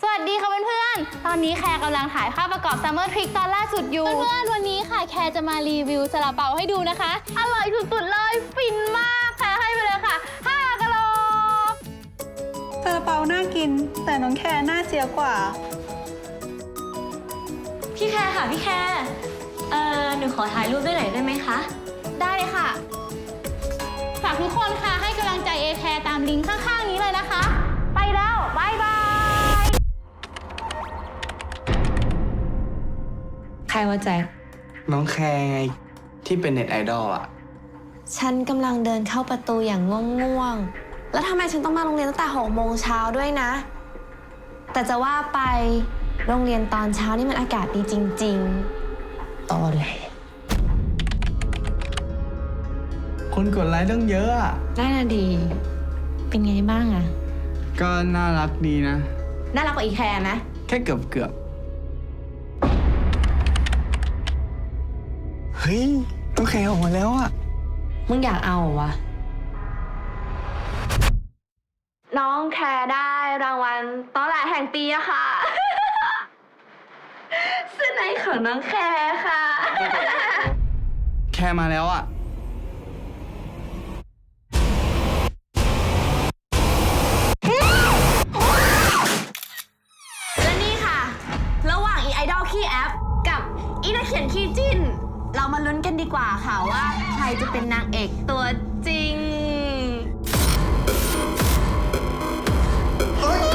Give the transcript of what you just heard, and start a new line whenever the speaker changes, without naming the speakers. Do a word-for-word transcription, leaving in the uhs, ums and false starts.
สวัสดีค่ะเพื่อนๆ ตอนนี้แคร์กำลังถ่ายภาพประกอบ Summer Trick ตอนล่าสุดอยู่ เพื่อนๆ วันนี้ค่ะแคร์จะมารีวิวซาลาเปาให้ดูนะคะ อร่อยสุดๆเลย ฟินมากแคร์ให้ไปเลยค่ะห้ากะโหลก
ซาลาเปาน่ากินแต่น้องแคร์น่าเจียกว่า
พี่แคร์ค่ะพี่แคร์เอ่อหนูขอถ่ายรูปด้วยหน่อยได้ไหมคะ
ได้เลยค่ะ ฝากทุกคนค่ะให้กำลังใจเอแคร์ตามลิงก์ข้างๆนี้เลยนะคะ ไปแล้วบายบาย
ใครว่าแจ็ค
น้องแคร์ไงที่เป็นเน็ตไอดอลอ่ะ
ฉันกำลังเดินเข้าประตูอย่างง่วงๆ แล้วทำไมฉันต้องมาโรงเรียนตั้งแต่หกโมงเช้าด้วยนะ แต่จะว่าไปโรงเรียนตอนเช้านี่มันอากาศดีจริงๆตอแหล
คนกดไลค์ต้องเยอะอ่ะ
น่าดี เป็นไงบ้างอะ
ก็น่ารักดีนะ
น่ารักกว่าอีแคร์นะ
แค่เกือบเกือบเฮ้ยน้องแคร์ออกมาแล้วอ่ะ
มึงอยากเอาเหรอวะ น้องแคร์ได้รางวัลตอแหลแห่งปีอะค่ะ เสื้อในของน้องแคร์ค่ะ
แคร์มาแล้วอ่ะ
และนี่ค่ะ ระหว่างอีไอดอลขี้แอปกับอีนักเขียนขี้จิ้น เรามาลุ้นกันดีกว่าค่ะว่าใครจะเป็นนางเอกตัวจริง
เฮ้ย